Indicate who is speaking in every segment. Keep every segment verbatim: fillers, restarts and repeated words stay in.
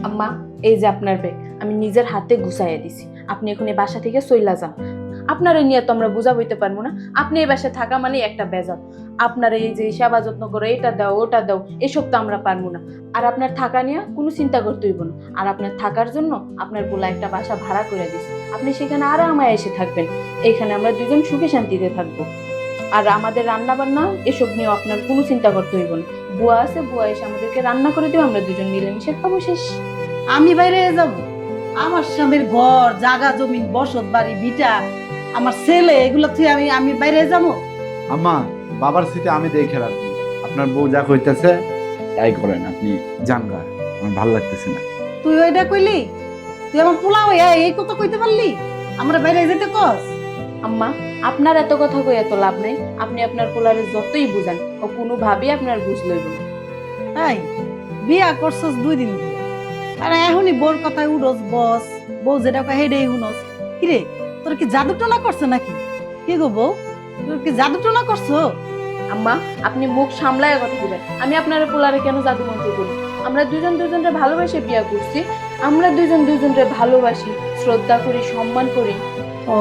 Speaker 1: আম্মা, এই যে আপনার ব্যাগ আমি নিজের হাতে গুছাইয়া দিছি। আপনি এখন এই বাসা থেকে চইলা যান। আপনার এই নিয়ে তো আমরা বুঝা বইতে পারবো না। আপনি এই বাসায় থাকা মানে একটা বেজাল। আপনার এই যে সেবা যত্ন করো, এটা দাও ওটা দাও, এসব তো আমরা পারবো না। আর আপনার থাকা নিয়ে কোনো চিন্তা করতে হইব না। আর আপনার থাকার জন্য আপনার পোলা একটা বাসা ভাড়া করে দিছি। আপনি সেখানে আরামায় এসে থাকবেন। এইখানে আমরা দুজন সুখে শান্তিতে থাকবো। আর আমাদের রান্না বান্না এসব নিয়েও আপনার কোনো চিন্তা করতে হইব না। বুয়া আছে, বুয়া এসে আমাদেরকে রান্না করে দিও, আমরা দুজন মিলেমিশে খাবো, শেষ।
Speaker 2: আমি বাইরে যাব? আমার স্বামীর ঘর, জায়গা জমিন, বসত বাড়ি, ভিটা, আমার ছেলে, এগুলো থেকে আমি আমি বাইরে যাবো?
Speaker 3: আম্মা, বাবার স্মৃতি আমি দেখে রাখবো। আপনার বউ যা কইতেছে তাই করেন, আপনি যান গা, আমার ভালো লাগতেছে না।
Speaker 2: তুই ওইটা কইলি? তুই আমার পোলা হইয়া এই কথা কইতে পারলি? আমরা বাইরে যেতে কস?
Speaker 1: আম্মা, আপনার এত কথা কই এত লাভ নাই। আপনি আপনার পোলারে যতই বুঝান, ও কোনোভাবেই আপনার বুঝ লইব না।
Speaker 2: তাই বিয়া করছস দুই দিন ধরে, আর এখনই বোর কথায় উড়স বস, বউ যেটা কয় হেডেই শুনস। কিরে, তোর কি জাদু টোনা করছে নাকি? কি গো বউ, তোর কি জাদু টোনা করছো?
Speaker 1: আম্মা, আপনি মুখ সামলায় কথা বলেন। আমি আপনার পোলারে কেন জাদু মন্ত্র করি? আমরা দুজন দুজনরে ভালোবাসে বিয়া করছি। আমরা দুজন দুজনরে ভালোবাসি, শ্রদ্ধা করি, সম্মান করি।
Speaker 2: ও,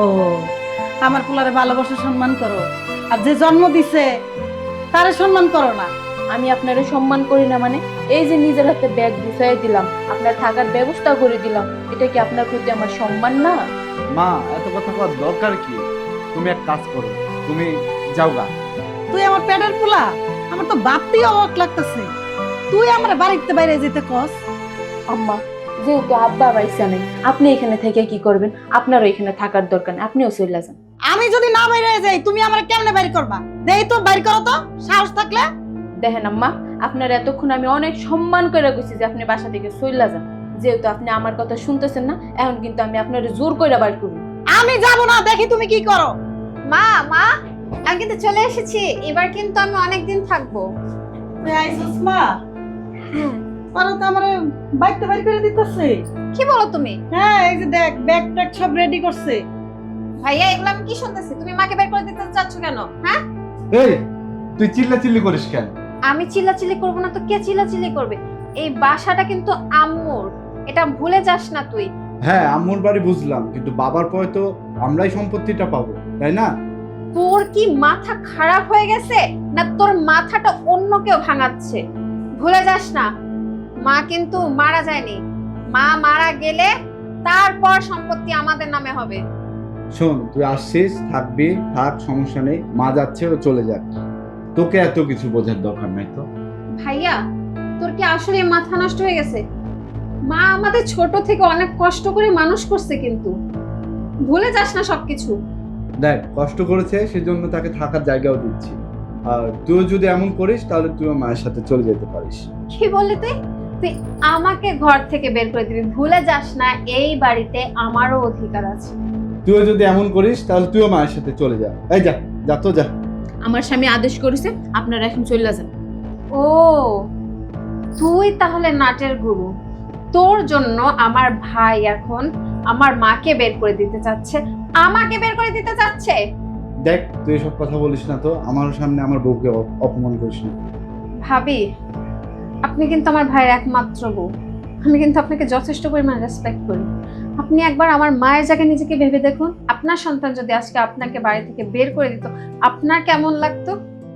Speaker 2: আমার পোলারে ভালোবাসা সম্মান করো, আর যে জন্ম দিছে তারে সম্মান করো না?
Speaker 1: আমি আপনারে সম্মান করি না মানে? এই যে নিজের হাতে ব্যাগ গুছাই দিলাম, আপনার থাকার ব্যবস্থা করে দিলাম, এটা কি আপনার প্রতি আমার সম্মান না?
Speaker 3: মা, এত কথা কওয়ার দরকার কি? তুমি এক কাজ করো, তুমি যাও গা।
Speaker 2: তুই আমার পেটের পোলা, আমার তো ভাবতেই অবাক লাগতেছে। তুই আমার বাড়িতে বাইরে যেতে কস?
Speaker 1: আম্মা, যেহেতু আব্বা বাইসা নেই, আপনি এখানে থেকে কি করবেন? আপনারও এখানে থাকার দরকার নেই, আপনিও চলে যান।
Speaker 2: আমি যদি না বাইরে যাই, তুমি আমার কেমনে বাইরে করবা? দেই তো, বাইরে করো তো, সাহস থাকলে।
Speaker 1: দেখেন আম্মা, আপনার এতক্ষণ আমি অনেক সম্মান করে গেছি যে আপনি বাসা থেকে চলে যান। যেহেতু আপনি আমার কথা শুনতেছেন না, এখন কিন্তু আমি আপনার জোর করে বাইর করব।
Speaker 2: আমি যাব না, দেখি তুমি কি করো।
Speaker 4: মা মা আমি কিন্তু চলে এসেছি। এবার কিন্তু আমি অনেকদিন থাকবো।
Speaker 2: তুই আইছিস মা? পারো তো আমার বাইকটা বাইরে করে দিতেছে।
Speaker 4: কি বলো তুমি?
Speaker 2: হ্যাঁ, এই যে দেখ, ব্যাগ ট্যাগ সব রেডি করছে।
Speaker 4: ভাইয়া, এগুলো আমি কি শুনতেছি? তুমি মাকে বের করে দিতে চাচ্ছ কেন? হ্যাঁ,
Speaker 3: এই, তুই চিল্লা চিল্লি করিস কেন?
Speaker 4: আমি চিল্লাচিল্লি করবো না তো কে চিল্লাচিল্লি করবে? এই বাসাটা কিন্তু আম্মুর, এটা ভুলে যাস না তুই।
Speaker 3: হ্যাঁ, আম্মুর বাড়ি বুঝলাম, কিন্তু বাবার পরে তো আমরাই সম্পত্তিটা পাবো, তাই না?
Speaker 4: তোর কি মাথা খারাপ হয়ে গেছে, না তোর মাথাটা অন্য কেউ ভাঙাচ্ছে? ভুলে যাস না, মা কিন্তু মারা যায়নি। মা মারা গেলে তারপর সম্পত্তি আমাদের নামে হবে।
Speaker 3: শোন, তুই আসছিস, থাকবি, থাক, সমস্যা নেই। মা যাচ্ছে, ও চলে যাক, তোকে এত কিছু বোঝার দরকার নাই তো।
Speaker 4: ভাইয়া, তোর কি আসলে মাথা নষ্ট হয়ে গেছে? মা আমাদের ছোট থেকে অনেক কষ্ট করে মানুষ করছে, কিন্তু ভুলে যাস না সবকিছু।
Speaker 3: দেখ, কষ্ট করেছে, সেজন্য তাকে থাকার জায়গাও দিচ্ছি। আর তুই যদি এমন করিস, তাহলে তুইও মায়ের সাথে চলে যেতে পারিস।
Speaker 4: কি বললি তুই? তুই আমাকে ঘর থেকে বের করে দিবি? ভুলে যাস না, এই বাড়িতে আমারও অধিকার আছে।
Speaker 3: তুইও যদি এমন করিস, তাহলে তুইও মায়ের সাথে চলে যা। এই যা, যা তো যা।
Speaker 1: আমার স্বামী আদেশ করেছে, আপনারা এখন চলে যান।
Speaker 4: ও, তুই তাহলে নাটের গুরু। তোর জন্য আমার ভাই এখন আমার মাকে বের করে দিতে চাচ্ছে, আমাকে বের করে দিতে চাচ্ছে।
Speaker 3: দেখ, তুই এসব কথা বলিস না তো, আমার সামনে আমার বউকে অপ- অপমান করিস না।
Speaker 4: ভাবি, আপনি কিন্তু আমার ভাইয়ের একমাত্র বউ। আমি কিন্তু আপনাকে যথেষ্ট পরিমাণ রেসপেক্ট করি। আপনি একবার আমার মায়ের জায়গায় নিজেকে ভেবে দেখুন, আপনার সন্তান যদি আজকে আপনাকে বাড়ি থেকে বের করে দিত, আপনার কেমন লাগতো?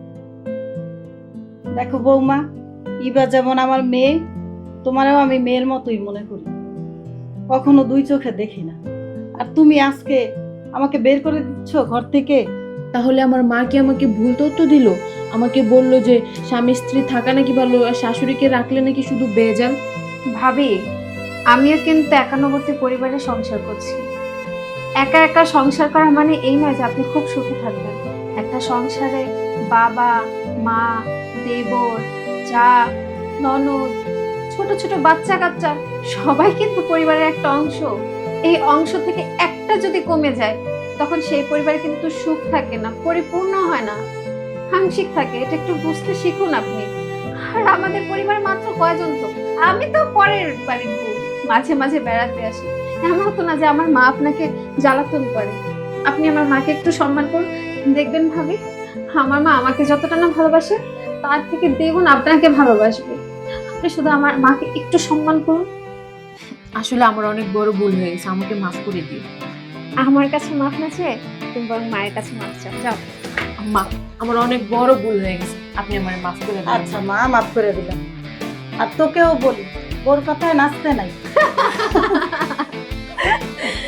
Speaker 2: দেখো বৌমা, ইবা যেমন আমার মেয়ে, তোমারও আমি মেয়ের মতোই মনে করি, কখনো দুই চোখে দেখি না। আর তুমি আজকে আমাকে বের করে দিচ্ছ ঘর থেকে।
Speaker 1: তাহলে আমার মা কি আমাকে ভুল তথ্য দিল? আমাকে বললো যে স্বামী স্ত্রী থাকা নাকি ভালো, আর শাশুড়িকে রাখলে নাকি শুধু বেজাল।
Speaker 4: ভাবি, আমিও কিন্তু একান্নবর্তী পরিবারে সংসার করছি। একা একা সংসার করা মানে এই নয় যে আপনি খুব সুখে থাকবেন। একটা সংসারে বাবা, মা, দেবর, যা, ননদ, ছোট ছোট বাচ্চা কাচ্চা সবাই কিন্তু পরিবারের একটা অংশ। এই অংশ থেকে একটা যদি কমে যায়, তখন সেই পরিবারে কিন্তু সুখ থাকে না, পরিপূর্ণ হয় না, আংশিক থাকে। এটা একটু বুঝতে শিখুন আপনি। আর আমাদের পরিবার মাত্র কয়জন তো? আমি তো পরের বাড়ির বউ, মাঝে মাঝে বেড়াতে আসি। এমন তো না যে আমার মা আপনাকে জ্বালাতন করে। আপনি আমার মাকে একটু সম্মান করুন, দেখবেন ভাবি, আমার মা আমাকে যতটা না ভালোবাসে, তার থেকে দ্বিগুণ আপনাকে ভালোবাসবে। আপনি শুধু আমার মাকে একটু সম্মান করুন।
Speaker 1: আসলে আমার অনেক বড় ভুল হয়ে গেছে, আমাকে মাফ করে দিও।
Speaker 4: আমার কাছে মাফ না চেয়ে তুমি বরং মায়ের কাছে মাফ চাও, যাও।
Speaker 1: মা, আমার অনেক বড় ভুল হয়ে গেছে, আপনি আমার মাফ করে দিন।
Speaker 2: আচ্ছা মা, মাফ করে দিলাম। আর তোকেও বলি, ওর কথায় নাচতে নাই।